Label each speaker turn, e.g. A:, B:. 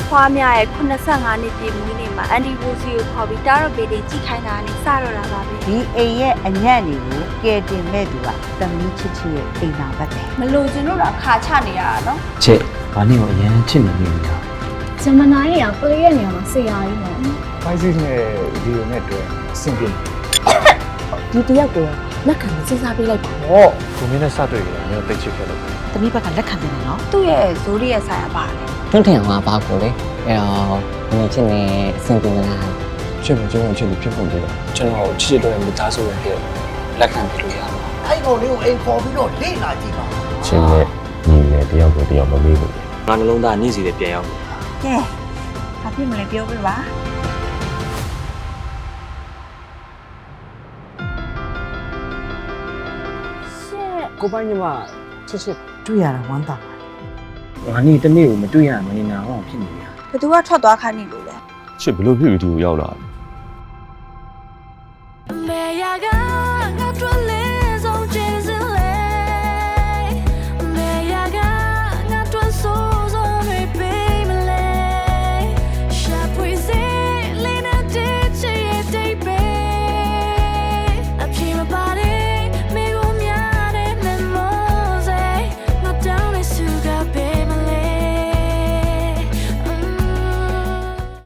A: ဖွားများရဲ့85နှစ်ပြည့်မွေးနေ့မှာအန်ဒီဝူစီကိုခေါ်ပြီးတားတော့ဘေးတွေကြည့်ခိုင်းတာနဲ့စတော့တာပါပဲ
B: ဒီအိမ်ရဲ့အညံ့တွေကိုကဲတင်မဲ့သူကသမီးချစ်ချစ်ရဲ့အိမ်တော်ပဲ
A: မလို့ကျွန်တော်တို့ခါချနေရတာနော်
C: ချစ်ဘာနဲ့ကိုအရင်ချစ်နေနေတာ
D: ဂျမနာရီကပလေးရဲ့နေရာမှာဆရာကြီးနော်
E: ဖိုက်စစ်နဲ့ဗီဒီယိုနဲ့တွေ့အဆင်ပြေ
D: ဒီတယောက်ကိုလက်ခံစဉ်းစားပေးလိုက်ပါ
E: ဟောကိုမင်းနဲ့စတွေ့ကြတယ်မျိုးတိတ်ချစ်ခဲ့လို့
B: သမီးဘက်ကလက်ခံတယ်နော်
A: သူ့ရဲ့ဇိုးရီရဲ့ဆိုင်ရပါတယ်
F: တွန်းထင်အောင်ပါကိုလေအဲ့တော့ငါချစ်နေအဆင်ပြေမလား
C: ချစ်မကျွန်တော်ချစ်လို့ဖြစ်ဖို့လေကျွန်တော်ချစ်တဲ့မိသားစုရဲ့လက်ခံပြီးလို့ရမှာ
G: အဲ့ကောင်လေးကိုအိမ်ခေါ်ပြီးတော့လေ့လာကြည့်ပါ
H: ချင်းနဲ့ညီနဲ့တယောက်ကိုတယောက်မမေးဘူး
C: ငါနှလုံးသားနေ့စီနဲ့ပြန်ရောက်
B: ကဲဘာဖြစ်မလဲပြောပြပါ
C: ကိုပိုင်းညီမချစ်ချစ်
B: တွေ့ရတာဝမ်းသာ
C: ငါနေ့တနေ့ကိုမတွေ့ရမနေနာအောင်ဖြစ်နေရ
A: ဘသူကထွက်သွားခိုင်းနေလို့လဲ
H: ချစ်ဘလို့ဖြစ်ပြီးဒီကိုရောက်လာလဲ